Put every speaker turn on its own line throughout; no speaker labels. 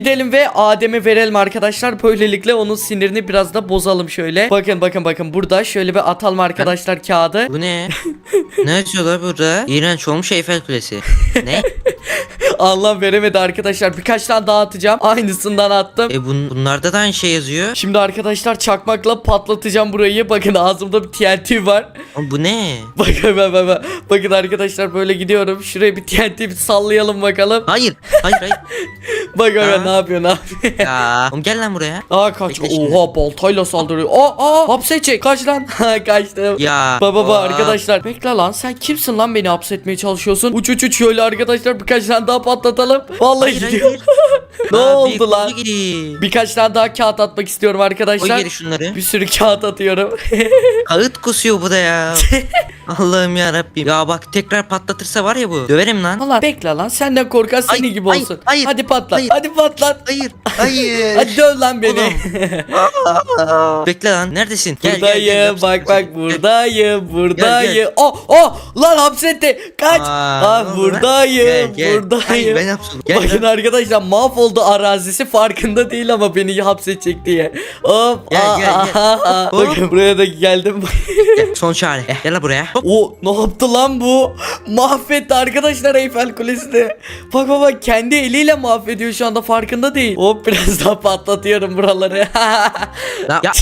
Gidelim ve Adem'e verelim arkadaşlar. Böylelikle onun sinirini biraz da bozalım şöyle. Bakın burada şöyle bir atalım arkadaşlar kağıdı.
Bu ne? Ne yazıyorlar burada? İğrenç olmuş Eyfel Kulesi. Ne?
Allah veremedi arkadaşlar. Birkaç tane daha atacağım. Aynısından attım.
Bunlarda da aynı şey yazıyor.
Şimdi arkadaşlar çakmakla patlatacağım burayı. Bakın ağzımda bir TNT var.
Ama bu ne?
Bakın arkadaşlar böyle gidiyorum. Şuraya bir TNT bir sallayalım bakalım.
Hayır.
Bak
Aa.
ne yapıyor?
Ya. Oğlum gel lan buraya.
Kaç.
Bekle şimdi.
Oha baltayla saldırıyor. Hapsedecek. Kaç lan. Kaçtım.
Ya.
Baba
Aa.
arkadaşlar. Bekle lan sen kimsin lan beni hapsetmeye çalışıyorsun? Uç şöyle arkadaşlar birkaç tane daha patlatalım. Vallahi gidiyor. Ne oldu lan? Birkaç tane daha kağıt atmak istiyorum
Koy
arkadaşlar.
geri şunları.
Bir sürü kağıt atıyorum.
Kağıt kusuyor bu da ya. Allah'ım ya Rabbim. Ya bak tekrar patlatırsa var ya bu. Döverim lan.
Allah bekle lan senden korkan
Ay,
seni gibi
hayır,
olsun.
hayır,
Hadi patlat.
hayır.
Hadi patlat.
Hayır. Hayır.
Hadi döv lan beni.
Bekle lan. Neredesin? Gel,
Buradayım. Bak buradayım. Lan hapsetti. Kaç. Buradayım. Buradayım.
Hayır, ben hapsolum. Gel
Bakın
lan.
arkadaşlar mahvoldu arazisi farkında değil ama beni hapsedecek diye. Hop.
Gel.
Bakın buraya da geldim.
Gel, son çare. Gel lan buraya. Hop.
Ne yaptı lan bu? Mahvetti arkadaşlar Eyfel Kulesi'ni. Bak kendi eliyle mahvediyor şu anda farkında değil. Hop biraz daha patlatıyorum buraları.
Ya.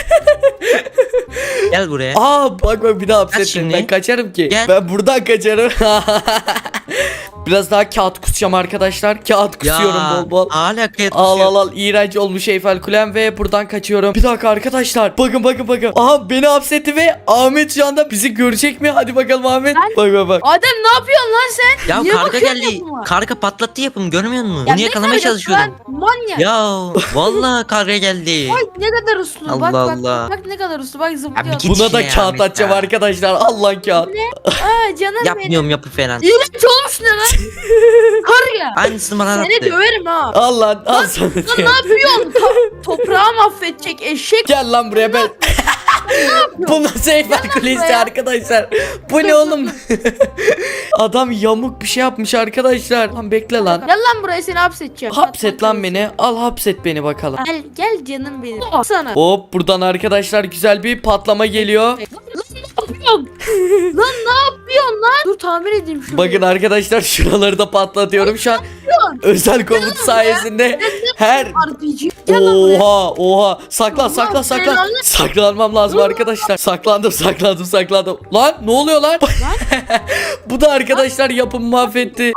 Gel buraya.
Bak bir daha hapsettim.
şimdi.
Ben kaçarım ki.
Gel.
Ben buradan kaçarım. Biraz daha kağıt kusacağım arkadaşlar. Kağıt kusuyorum bol.
Hala kağıt kusuyor.
Al. İğrenç olmuş Eyfel Kulem ve buradan kaçıyorum. Bir dakika arkadaşlar. Bakın. Beni hapsetti ve Ahmet şu anda bizi görecek mi? Hadi bakalım Ahmet. Bak.
Adem ne yapıyorsun lan sen?
Ya
Niye
karga
bakıyorsun
geldi.
yapıma?
Karga patlattı yapımı görmüyor musun?
Ya
Bunu
ne
yakalamaya
kargası
çalışıyordum.
lan? Manyak.
Ya vallahi karga geldi.
Bak ne kadar uslu.
Allah
Bak
Allah.
bak ne kadar uslu. Bak zıplıyor.
Abi git.
Buna da
ya,
kağıt
Ahmet
atacağım
ya.
arkadaşlar. Allah kağıt.
Canım benim.
Yapmıyorum yapı falan.
İğrenç olmuş ne lan? Karga.
Aynısını bana
Seni
attı.
döverim ha.
Al lan al sana.
Lan ne yapıyorsun? Toprağı mahvedecek eşek.
Gel lan buraya ben. Bu nasıl Eyfel Kulesi
buraya.
arkadaşlar? Bu ne oğlum? Adam yamuk bir şey yapmış arkadaşlar. Lan bekle lan.
Gel lan buraya seni hapsedeceğim.
Hapset lan beni. Al hapset beni bakalım.
Gel canım benim. Sana.
Hop buradan arkadaşlar güzel bir patlama geliyor.
Lan ne yapıyorsun? Lan ne yapıyorsun lan? Dur tamir edeyim şunu.
Bakın arkadaşlar şuraları da patlatıyorum şu an. Özel komut sayesinde her
RPG. Gel lan buraya.
Oha saklan.
belanı.
Saklanmam lazım arkadaşlar. Saklandım. Lan ne oluyor lan? Bu da arkadaşlar yapımı mahvetti.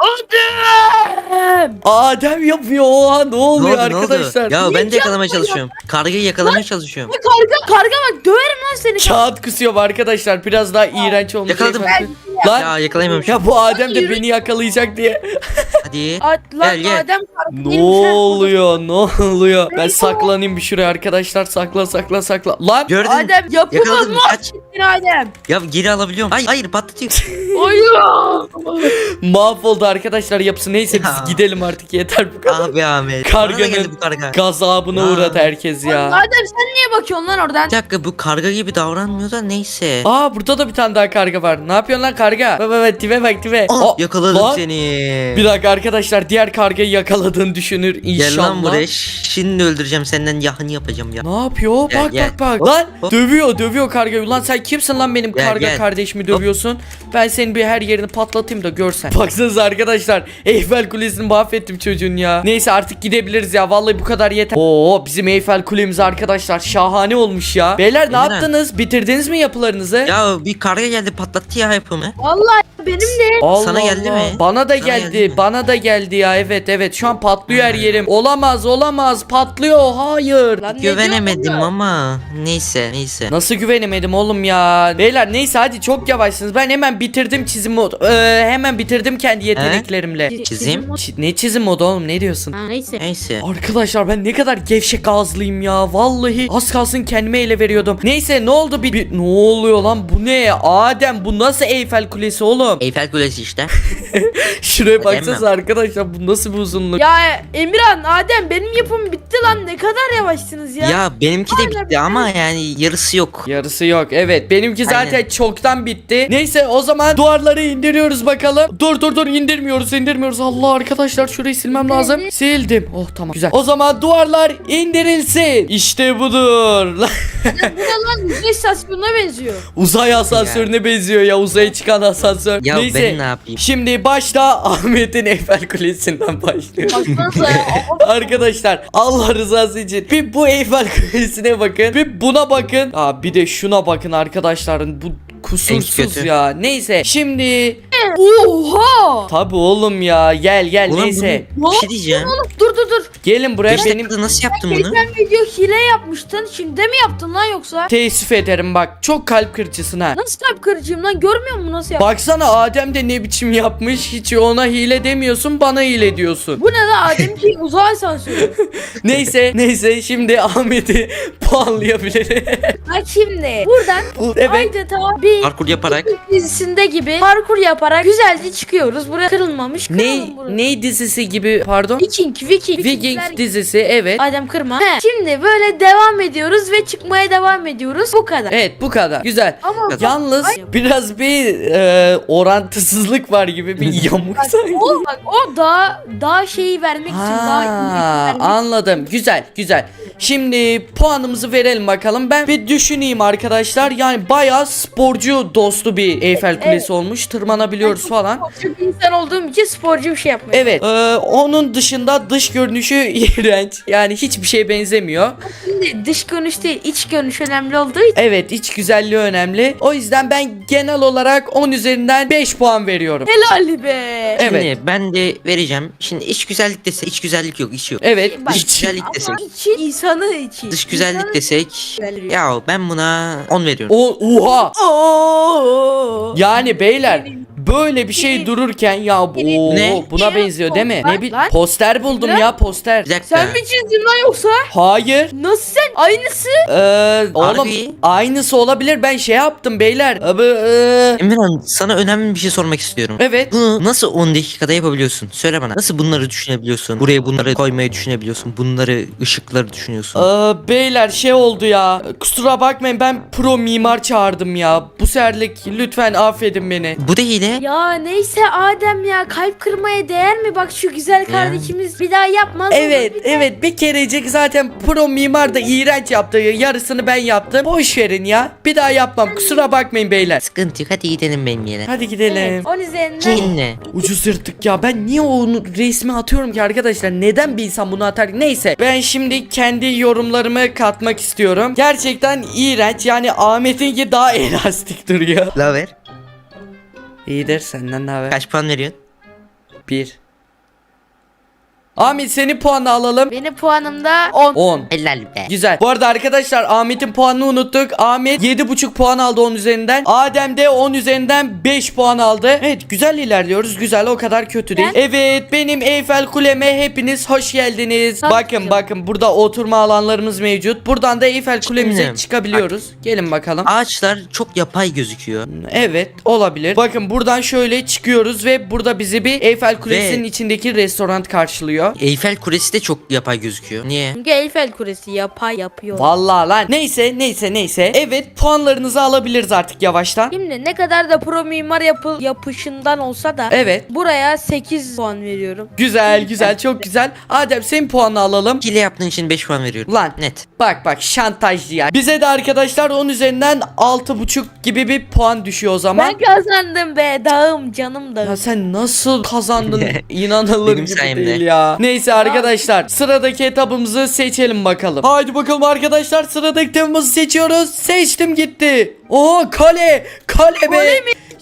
Adem yapıyor. Oha ne oluyor
Ne oldu?
arkadaşlar?
Ya ben de
Niye
yakalamaya çalışıyorum. Kargayı yakalamaya çalışıyorum.
Karga bak döverim lan seni.
Kağıt kusuyor arkadaşlar. Biraz daha iğrenç olmuş.
Yakaladım.
Lan
Ya yakalayamamışım.
ya bu Adem de beni yakalayacak diye.
Hadi.
Lan
Gel.
Adem karga
Ne
değilmiş ha.
oluyor? Ben saklanayım bir şuraya arkadaşlar. Sakla. Lan
Gördün.
Adem yapımı
Yakaladım. Kaç.
mahvettin Adem.
Ya geri alabiliyorum. Hayır patlatıyor.
Hayır.
mahvoldu arkadaşlar yapısı. Neyse
Ya.
biz gidelim artık yeter bu kadar.
Abi Ahmet.
Karganın
Bana da geldi bu karga.
Gazabına
Ya.
uğradı herkes ya.
Adem sen niye bakıyorsun lan oradan?
Bir dakika bu karga gibi davranmıyor da neyse.
Burada da bir tane daha karga var. Ne yapıyorsun lan karga? Bak tipe.
Yakaladım
lan.
seni.
Bir dakika arkadaşlar diğer kargayı yakaladığını düşünür inşallah.
Gel lan buraya. Şimdi öldüreceğim senden yahını yapacağım ya.
Ne yapıyor?
Gel.
Bak.
Hop,
Lan
hop.
dövüyor kargayı. Lan sen kimsin lan benim
Gel,
karga
gel.
kardeşimi dövüyorsun? Ben senin bir her yerini patlatayım da görsen. Baksanıza arkadaşlar. Eyfel Kulesi'ni mahvettim çocuğun ya. Neyse artık gidebiliriz ya. Vallahi bu kadar yeter. Bizim Eyfel Kulemiz arkadaşlar şahane olmuş ya. Beyler ne
Emine.
yaptınız? Bitirdiniz mi yapılarınızı?
Ya bir karga geldi patlattı ya yapımı.
Vallahi benim de.
Allah
Sana geldi
Allah.
mi?
Bana da
Sana
geldi.
geldi mi?
Bana da geldi ya. Evet. Şu an patlıyor her yerim. Olamaz. Patlıyor. Hayır.
Lan ne
Güvenemedim
diyorsun lan?
ama neyse.
Nasıl güvenemedim oğlum ya? Beyler neyse hadi çok yavaşsınız. Ben hemen bitirdim çizim modu. Hemen bitirdim kendi yeteneklerimle.
Çizim?
Ne çizim modu oğlum ne diyorsun?
Ha, neyse.
Neyse.
Arkadaşlar ben ne kadar gevşek ağızlıyım ya. Vallahi az kalsın kendime ele veriyordum. Neyse ne oldu? Ne oluyor lan? Bu ne? Adem bu nasıl Eyfel Kulesi oğlum? oğlum?
Eyfel Kulesi işte.
Şuraya
Öyle
baksanıza arkadaşlar, bu nasıl bir uzunluk?
Ya Emirhan, Adem benim yapım bitti lan. Ne kadar yavaşsınız ya.
Ya benimki de bitti ama yani yarısı yok.
Yarısı yok. Evet, benimki zaten
Aynen.
çoktan bitti. Neyse, o zaman duvarları indiriyoruz bakalım. Dur indirmiyoruz. Allah, arkadaşlar şurayı silmem lazım. Sildim. Oh, tamam, güzel. O zaman duvarlar indirilsin. İşte budur.
Bu ne lan? Uzay istasyonuna benziyor.
Uzay asansörüne benziyor ya, uzaya çıkan asansör.
Ya
Neyse,
ben ne yapayım?
şimdi başta Ahmet'in Eyfel Kulesi'nden başlıyor.
Baksanıza ya.
Arkadaşlar, Allah rızası için bir bu Eyfel Kulesi'ne bakın, bir buna bakın. Aa, bir de şuna bakın arkadaşların, bu kusursuz
kötü.
ya. Neyse, şimdi
Oha.
tabi oğlum ya, gel
Ulan
neyse.
bunu- bir şey diyeceğim.
Dur.
Gelin buraya,
Beş
benim
dakikada nasıl yaptın bunu?
Geçen video hile yapmıştın. Şimdi de mi yaptın lan yoksa?
teessüf ederim, bak çok kalp kırıcısın ha.
Nasıl kalp kırıcıyım lan? Görmüyor musun nasıl yaptın?
Baksana, Adem de ne biçim yapmış, hiç ona hile demiyorsun, bana hile diyorsun.
Bu ne lan? Adem ki uzay asansörü.
Neyse, şimdi Ahmet'i puanlayabiliriz.
Bak şimdi buradan
Evet.
adeta bir
Parkur yaparak.
dizisinde gibi parkur yaparak güzelce çıkıyoruz. Buraya kırılmamış.
Ne dizisi gibi, pardon?
Viking.
Vikings dizisi, evet.
Adem kırma. He, şimdi böyle devam ediyoruz ve çıkmaya devam ediyoruz. Bu kadar.
Evet, bu kadar. Güzel.
Ama
Yalnız biraz bir orantısızlık var gibi, bir yamuk sanki.
o daha şeyi vermek için daha iyi vermek.
Anladım. Güzel. Şimdi puanımızı verelim bakalım. Ben bir düşüneyim arkadaşlar. Yani bayağı sporcu dostu bir Eyfel Kulesi olmuş. Tırmanabiliyoruz falan.
Sporcu bir insan olduğum için sporcu bir şey yapmaya.
Evet. Onun dışında dış görünüşü iğrenç. Yani hiçbir şeye benzemiyor.
Şimdi dış görünüş değil, iç görünüş önemli olduğu için.
Evet, iç güzelliği önemli. O yüzden ben genel olarak 10 üzerinden 5 puan veriyorum.
Helal be.
Evet.
Şimdi ben de vereceğim. Şimdi iç güzellik desek, iç güzellik yok, iç yok.
Evet.
Bak,
iç.
güzellik desek.
Ama içi insanı içi.
Dış güzellik
İnsanı
desek.
güzelliği.
Ya ben buna 10 veriyorum.
Oha.
Oo.
Yani beyler, böyle bir şey dururken ya
Ne?
buna benziyor değil mi?
Lan,
Ne bir
lan.
poster buldum
Lan.
ya, poster.
Bir dakika.
Sen mi çizdin lan yoksa?
Hayır.
Nasıl sen? Aynısı.
Oğlum,
Harbi.
aynısı olabilir. Ben şey yaptım beyler.
Emirhan, sana önemli bir şey sormak istiyorum.
Evet.
Bunu nasıl 10 dakikada yapabiliyorsun? Söyle bana. Nasıl bunları düşünebiliyorsun? Buraya bunları koymayı düşünebiliyorsun. Bunları, ışıkları düşünüyorsun.
Beyler, şey oldu ya. Kusura bakmayın, ben pro mimar çağırdım ya. Bu seferlik lütfen affedin beni.
Bu değil de.
Ya neyse Adem ya, kalp kırmaya değer mi? Bak şu güzel kardeşimiz bir daha yapmaz.
Evet, bir kerecik zaten pro mimar da iğrenç yaptı. Yarısını ben yaptım. Boş verin ya. Bir daha yapmam. Kusura bakmayın beyler.
Sıkıntı yok, hadi gidelim benim yere.
Hadi gidelim.
Evet, 10 üzerinden.
Yine.
Ucuz yırttık ya. Ben niye onu resmi atıyorum ki arkadaşlar? Neden bir insan bunu atar? Neyse. Ben şimdi kendi yorumlarımı katmak istiyorum. Gerçekten iğrenç. Yani Ahmet'inki daha elastik duruyor.
La ver.
İyidir, senden ne haber?
Kaç puan veriyorsun?
1. Ahmet, senin puanını alalım.
Benim puanım da 10.
10.
Helal be.
Güzel. Bu arada arkadaşlar, Ahmet'in puanını unuttuk. Ahmet 7,5 puan aldı 10 üzerinden. Adem de 10 üzerinden 5 puan aldı. Evet, güzel ilerliyoruz. Güzel, o kadar kötü değil. Evet, benim Eyfel Kuleme hepiniz hoş geldiniz.
Tabii
Bakın burada oturma alanlarımız mevcut. Buradan da Eyfel Kulemize
Şimdi,
çıkabiliyoruz. Gelin bakalım.
Ağaçlar çok yapay gözüküyor.
Evet, olabilir. Bakın buradan şöyle çıkıyoruz ve burada bizi bir Eyfel Kulesi'nin içindeki restoran karşılıyor.
Eyfel Kulesi de çok yapay gözüküyor. Niye?
Çünkü Eyfel Kulesi yapay yapıyor.
Vallahi lan. Neyse. Evet, puanlarınızı alabiliriz artık yavaştan.
Şimdi ne kadar da pro mimar yapışından olsa da
Evet.
buraya 8 puan veriyorum.
Güzel, çok güzel. Adem, senin puanını alalım.
Hile yaptığın için 5 puan veriyorum.
Lan.
Net.
Bak şantajcı ya. Bize de arkadaşlar 10 üzerinden 6,5 gibi bir puan düşüyor o zaman.
Ben kazandım be, dağım canım dağım.
Ya sen nasıl kazandın? İnanılır
Benim
gibi
sayemde.
değil ya. Neyse arkadaşlar, sıradaki etabımızı seçelim bakalım. Haydi bakalım arkadaşlar, sıradaki etabımızı seçiyoruz. Seçtim, gitti. Oha, kale be.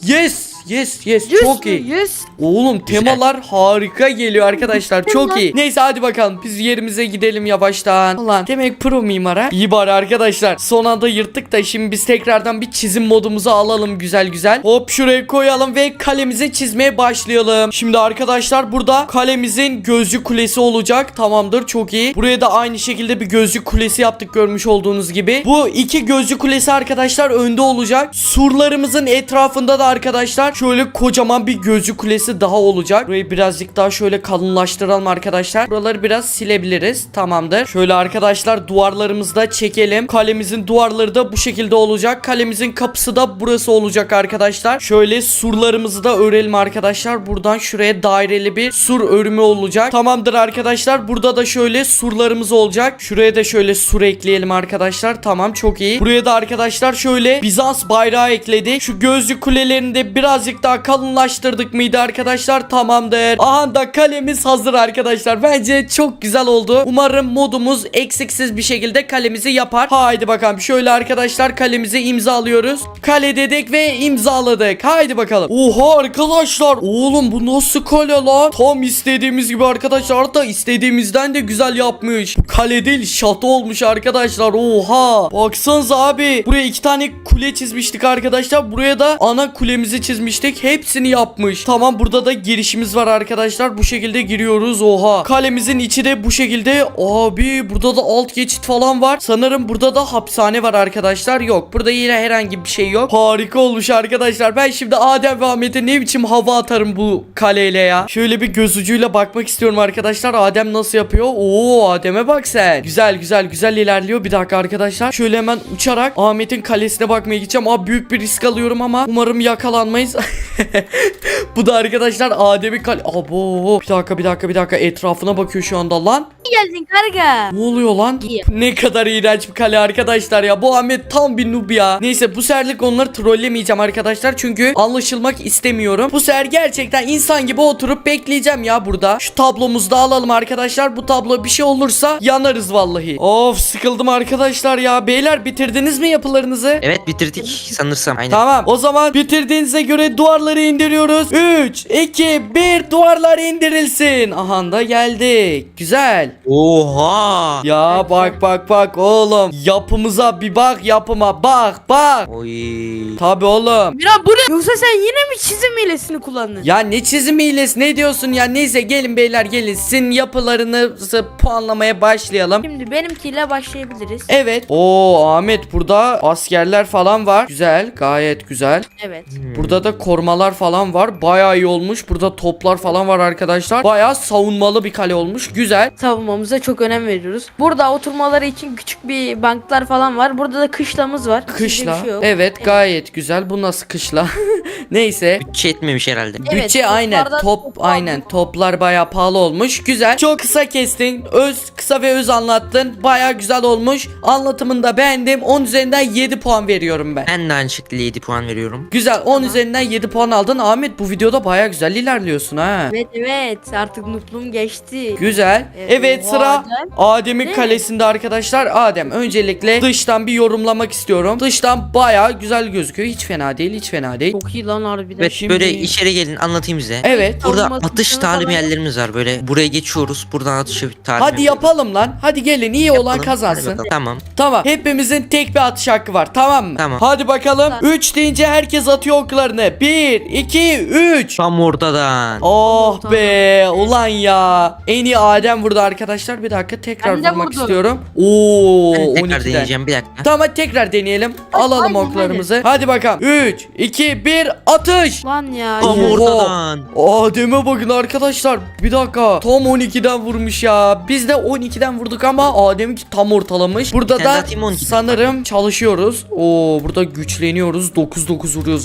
Yes, çok iyi.
100.
Oğlum, temalar harika geliyor arkadaşlar, çok iyi. Neyse, hadi bakalım biz yerimize gidelim yavaştan. Ulan demek pro mimara. İyi bari arkadaşlar, son anda yırttık da şimdi biz tekrardan bir çizim modumuzu alalım güzel. Hop, şuraya koyalım ve kalemize çizmeye başlayalım. Şimdi arkadaşlar, burada kalemizin gözcü kulesi olacak. Tamamdır, çok iyi. Buraya da aynı şekilde bir gözcü kulesi yaptık, görmüş olduğunuz gibi. Bu iki gözcü kulesi arkadaşlar önde olacak. Surlarımızın etrafında da arkadaşlar şöyle kocaman bir gözcü kulesi daha olacak. Burayı birazcık daha şöyle kalınlaştıralım arkadaşlar. Buraları biraz silebiliriz. Tamamdır. Şöyle arkadaşlar duvarlarımızı da çekelim. Kalemizin duvarları da bu şekilde olacak. Kalemizin kapısı da burası olacak arkadaşlar. Şöyle surlarımızı da örelim arkadaşlar. Buradan şuraya daireli bir sur örümü olacak. Tamamdır arkadaşlar. Burada da şöyle surlarımız olacak. Şuraya da şöyle sur ekleyelim arkadaşlar. Tamam, çok iyi. Buraya da arkadaşlar şöyle Bizans bayrağı ekledik. Şu gözcü kulelerini de birazcık daha kalınlaştırdık mıydı arkadaşlar? Tamamdır. Aha da kalemiz hazır arkadaşlar. Bence çok güzel oldu. Umarım modumuz eksiksiz bir şekilde kalemizi yapar. Haydi bakalım. Şöyle arkadaşlar kalemizi imzalıyoruz. Kale dedik ve imzaladık. Haydi bakalım. Oha arkadaşlar. Oğlum bu nasıl kale lan? Tam istediğimiz gibi arkadaşlar, da istediğimizden de güzel yapmış. Bu kale değil, şato olmuş arkadaşlar. Oha. Baksanıza abi. Buraya 2 tane kule çizmiştik arkadaşlar. Buraya da ana kulemizi çizmiştik. Hepsini yapmış. Tamam, burada da girişimiz var arkadaşlar. Bu şekilde giriyoruz. Oha. Kalemizin içi de bu şekilde. Abi burada da alt geçit falan var. Sanırım burada da hapishane var arkadaşlar. Yok. Burada yine herhangi bir şey yok. Harika olmuş arkadaşlar. Ben şimdi Adem ve Ahmet'e ne biçim hava atarım bu kaleyle ya. Şöyle bir göz ucuyla bakmak istiyorum arkadaşlar. Adem nasıl yapıyor? Oo, Adem'e bak sen. Güzel güzel güzel ilerliyor. Bir dakika arkadaşlar. Şöyle hemen uçarak Ahmet'in kalesine bakmaya gideceğim. Abi büyük bir risk alıyorum ama umarım yakalanmayız. Bu da arkadaşlar Adem'in kale. Abo. Bir dakika. Etrafına bakıyor şu anda lan.
İyi geldin karga.
Ne oluyor lan?
İyi.
Ne kadar iğrenç bir kale arkadaşlar ya. Bu Ahmet tam bir noob ya. Neyse, bu seferlik onları trollemeyeceğim arkadaşlar. Çünkü anlaşılmak istemiyorum. Bu sefer gerçekten insan gibi oturup bekleyeceğim ya burada. Şu tablomuzu da alalım arkadaşlar. Bu tablo bir şey olursa yanarız vallahi. Of, sıkıldım arkadaşlar ya. Beyler, bitirdiniz mi yapılarınızı?
Evet, bitirdik sanırsam. Aynen.
Tamam, o zaman bitirdiğinize göre duvarları indiriyoruz. 3, 2, 1, duvarlar indirilsin. Aha da geldik. Güzel.
Oha.
Ya bak oğlum. Yapımıza bir bak, yapıma bak.
Oy.
Tabi oğlum.
Miran bu ne? Yoksa sen yine mi çizim hilesini kullandın?
Ya ne çizim hilesi, ne diyorsun ya? Neyse, gelin beyler, gelin. Sizin yapılarınızı puanlamaya başlayalım.
Şimdi benimkiyle başlayabiliriz.
Evet. Oo, Ahmet, burada askerler falan var. Güzel, gayet güzel.
Evet.
Burada da korumalar falan var. Bayağı iyi olmuş. Burada toplar falan var arkadaşlar. Bayağı savunmalı bir kale olmuş. Güzel.
Savunmamıza çok önem veriyoruz. Burada oturmaları için küçük bir banklar falan var. Burada da kışlamız var. Sizde
Kışla.
bir şey yok.
Evet, gayet güzel. Bu nasıl kışla? Neyse.
Bütçe etmemiş herhalde.
Evet,
Bütçe aynen.
toplarda
Top
top
aynen. Toplar bayağı pahalı olmuş. Güzel. Çok kısa kestin. Kısa ve öz anlattın. Bayağı güzel olmuş. Anlatımını da beğendim. 10 üzerinden 7 puan veriyorum ben.
Ben de aynı şekilde 7 puan veriyorum.
Güzel. 10 üzerinden 7 puan aldın. Ahmet, bu videoda bayağı güzel ilerliyorsun ha.
Evet artık nutlum geçti.
Güzel. Evet,
o
sıra
Adem.
Adem'in
Değil
kalesinde arkadaşlar. Adem, öncelikle dıştan bir yorumlamak istiyorum. Dıştan bayağı güzel gözüküyor. Hiç fena değil, hiç fena değil.
Çok iyi lan harbiden.
Evet,
Şimdi-
böyle içeri gelin anlatayım size.
Evet.
Burada
Savunma
atış
kısmı
talim
falan.
yerlerimiz var, böyle buraya geçiyoruz, buradan atışı talim
Hadi yapalım lan. Hadi gelin, iyi olan
Yapalım.
kazansın.
Hadi bakalım. Tamam.
Tamam. Hepimizin tek bir atış hakkı var. Tamam mı?
Tamam.
Hadi bakalım.
Tamam.
3 deyince herkes atıyor oklarını. 1, 2, 3.
Tam ortadan.
Oh
Tamam.
be. Ulan ya. En iyi Adem vurdu arkadaşlar. Bir dakika, tekrar
Ben de
vurmak
vurdum.
istiyorum. Oo,
Ben tekrar
12'den.
deneyeceğim, bir dakika.
Tamam, hadi tekrar deneyelim. Alalım
hadi,
oklarımızı. Hadi bakalım. 3, 2, 1, atış.
Lan ya.
Tam
yine.
Oha.
ortadan.
Adem'e bakın arkadaşlar. Bir dakika. Tam 12'den vurmuş ya. Biz de 12'den vurduk ama Adem'inki tam ortalamış. Burada
Sen
da
zaten 12'den
sanırım çalışıyoruz. Oo, burada güçleniyoruz. 9 vuruyoruz.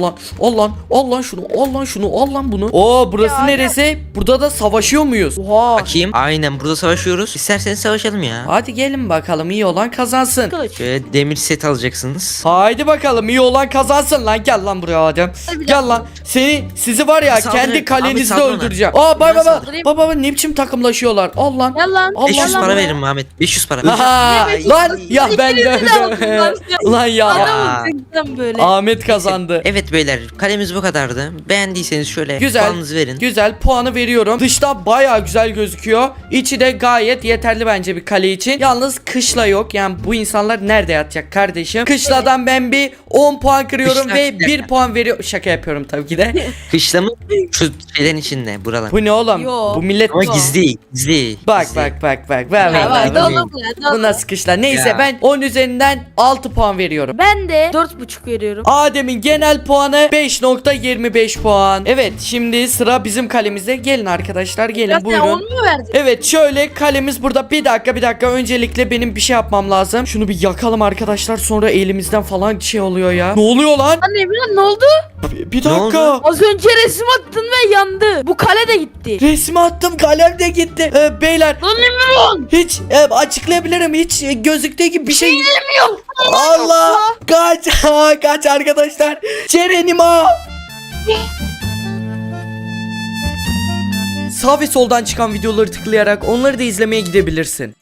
Allah şunu. Allah bunu. Oo, burası
Ya,
neresi? Burada da savaşıyor muyuz?
Oha.
Bakayım. Aynen, burada savaşıyoruz. İsterseniz savaşalım ya.
Hadi gelin bakalım, iyi olan kazansın.
Kılıç.
Şöyle demir set alacaksınız.
Haydi bakalım, iyi olan kazansın lan. Gel lan buraya Adem.
Hadi
Gel lan. Sizi var ya,
Saldırın.
kendi
Abi
kalenizde
saldırın.
öldüreceğim. Aa,
Biraz
baba
saldırayım.
baba ne biçim takımlaşıyorlar. Al lan.
Gel lan.
Allah
500
Gel lan
para
buraya.
veririm Muhammed. 500 para.
Aha,
Ne
lan ya ben de
İkinizi de aldılar.
lan ya.
Adamın tıktan böyle.
Ahmet kazandı.
Evet beyler, kalemiz bu kadardı. Beğendiyseniz şöyle
Güzel.
puanınızı verin.
Güzel, puanı veriyorum. Dışta bayağı güzel gözüküyor. İçi de gayet yeterli bence bir kale için. Yalnız kışla yok. Yani bu insanlar nerede yatacak kardeşim? Kışladan ben bir 10 puan kırıyorum
Kışla-
ve 1 puan veriyor. Şaka yapıyorum tabii ki de.
Kışla mı? Şu şeylerin içinde buralar.
Bu ne oğlum?
Yo.
Bu millet
Ama gizli. Gizli.
bak
gizli.
bak. Ver
Ya
ver.
var
ver.
dolu.
dolu bu ya dolu.
Bu nasıl kışlar? Neyse
Ya.
ben 10 üzerinden 6 puan veriyorum.
Ben de 4,5 veriyorum.
Adem'in genel puanı 5.25 puan. Evet şimdi sıra bizim kalemizde. Gelin arkadaşlar gelin
Ya sen
buyurun.
10 mu verdin?
Evet şöyle kalemiz burada. Bir dakika öncelikle benim bir şey yapmam lazım. Şunu bir yakalım arkadaşlar, sonra elimizden falan şey oluyor ya. Ne oluyor lan?
Lan Emirhan ne oldu?
Bir
Ne
dakika.
oldu?
Az önce resim attın ve yandı. Bu kale de gitti.
Resmi attım, kalem de gitti. Beyler
Lan Emirhan.
hiç açıklayabilirim, hiç gözüktüğü gibi bir şey.
Bilmiyorum.
Allah kaç kaç arkadaşlar. Cerenima. Sağ ve soldan çıkan videoları tıklayarak onları da izlemeye gidebilirsin.